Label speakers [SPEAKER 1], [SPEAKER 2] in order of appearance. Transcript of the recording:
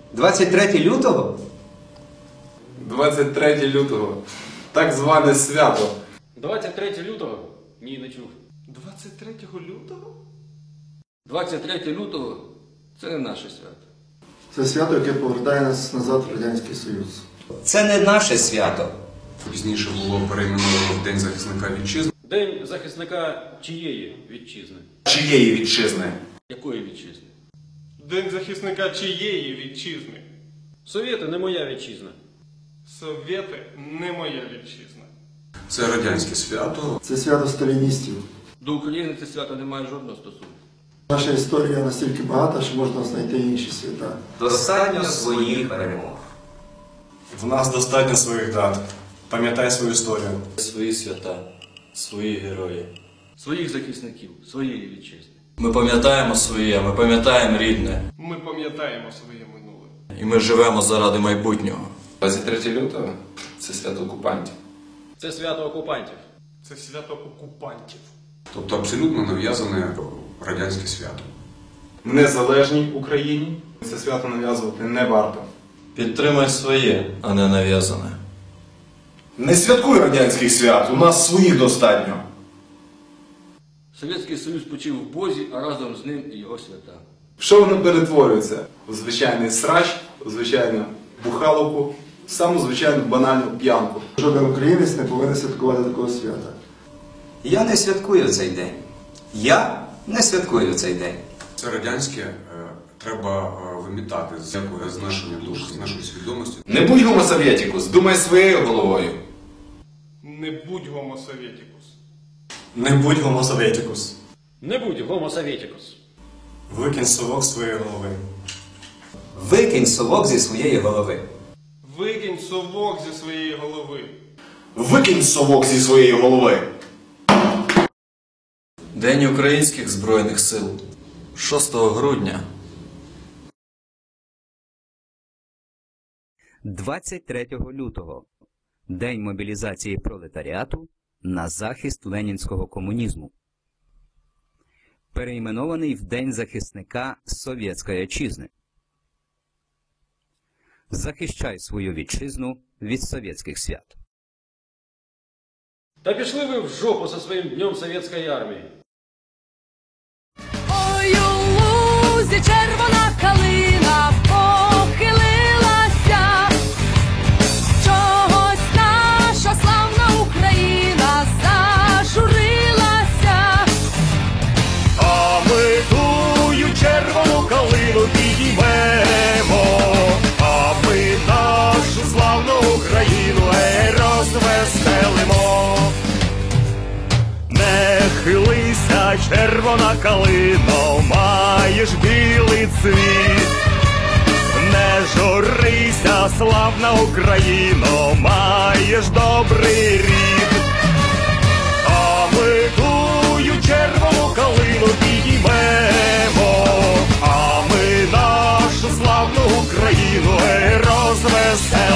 [SPEAKER 1] 23 лютого?
[SPEAKER 2] 23 лютого. Так зване свято.
[SPEAKER 3] 23 лютого? Ні, не чув.
[SPEAKER 2] 23 лютого?
[SPEAKER 3] 23 лютого – це не наше свято.
[SPEAKER 4] Це свято, яке повертає нас назад в Радянський Союз.
[SPEAKER 1] Це не наше свято.
[SPEAKER 5] Пізніше було перейменовано в День захисника вітчизни.
[SPEAKER 3] День захисника чиєї вітчизни?
[SPEAKER 6] Чиєї вітчизни?
[SPEAKER 3] Якої вітчизни?
[SPEAKER 2] День захисника чиєї вітчизни?
[SPEAKER 3] Совєти не моя вітчизна.
[SPEAKER 2] Совєти не моя вітчизна.
[SPEAKER 5] Це радянське свято.
[SPEAKER 4] Це свято сталіністів.
[SPEAKER 3] До України це свято не має жодного стосунку.
[SPEAKER 4] Наша історія настільки багата, що можна знайти інші свята.
[SPEAKER 1] Достатньо своїх перемог.
[SPEAKER 7] В нас достатньо своїх дат. Пам'ятай свою історію.
[SPEAKER 8] Свої свята, свої герої.
[SPEAKER 3] Своїх захисників, своєї вітчизни.
[SPEAKER 8] Ми пам'ятаємо своє, ми пам'ятаємо рідне.
[SPEAKER 2] Ми пам'ятаємо своє минуле.
[SPEAKER 8] І ми живемо заради майбутнього.
[SPEAKER 2] 23 лютого – це свято окупантів.
[SPEAKER 3] Це свято окупантів.
[SPEAKER 2] Це свято окупантів.
[SPEAKER 5] Тобто абсолютно нав'язане радянське свято.
[SPEAKER 6] В незалежній Україні це свято нав'язувати не варто.
[SPEAKER 8] Підтримай своє, а не нав'язане.
[SPEAKER 6] Не святкуй радянських свят, у нас своїх достатньо.
[SPEAKER 3] Совєтський Союз почив в Бозі, а разом з ним і його свята.
[SPEAKER 6] Що воно перетворюється? У звичайний срач, у звичайну бухаловку, в саму звичайну банальну п'янку.
[SPEAKER 4] Жоден українець не повинен святкувати такого свята.
[SPEAKER 1] Я не святкую цей день. Я не святкую цей день.
[SPEAKER 5] Це радянське треба вимітати з нашої душі, з нашої свідомості.
[SPEAKER 6] Не будь гомосовєтікус, думай своєю головою.
[SPEAKER 2] Не будь гомосовєтікус.
[SPEAKER 7] Не будь гомосовєтікус.
[SPEAKER 3] Не будь гомосовєтікус.
[SPEAKER 7] Викинь совок з своєї голови.
[SPEAKER 1] Викинь совок зі своєї голови.
[SPEAKER 2] Викинь совок зі своєї голови.
[SPEAKER 6] Викинь совок зі своєї голови.
[SPEAKER 8] День Українських Збройних Сил. 6 грудня.
[SPEAKER 9] 23 лютого. День мобілізації пролетаріату на захист ленінського комунізму. Перейменований в День захисника Совєтської Отчизни. Захищай свою вітчизну від совєтських свят.
[SPEAKER 3] Та пішли ви в жопу зі своїм Днем Совєтської армії.
[SPEAKER 10] Ой, у лузі червона калина похилилася, чогось наша славна Україна зажурилася.
[SPEAKER 11] А ми тую червону калину підіймемо, а ми нашу славну Україну розвеселимо. Не хилися, червона калино, маєш білий цвіт. Не журися, славна Україно, маєш добрий рід. А ми тую червону калину підіймемо, а ми нашу славну Україну розвеселимо.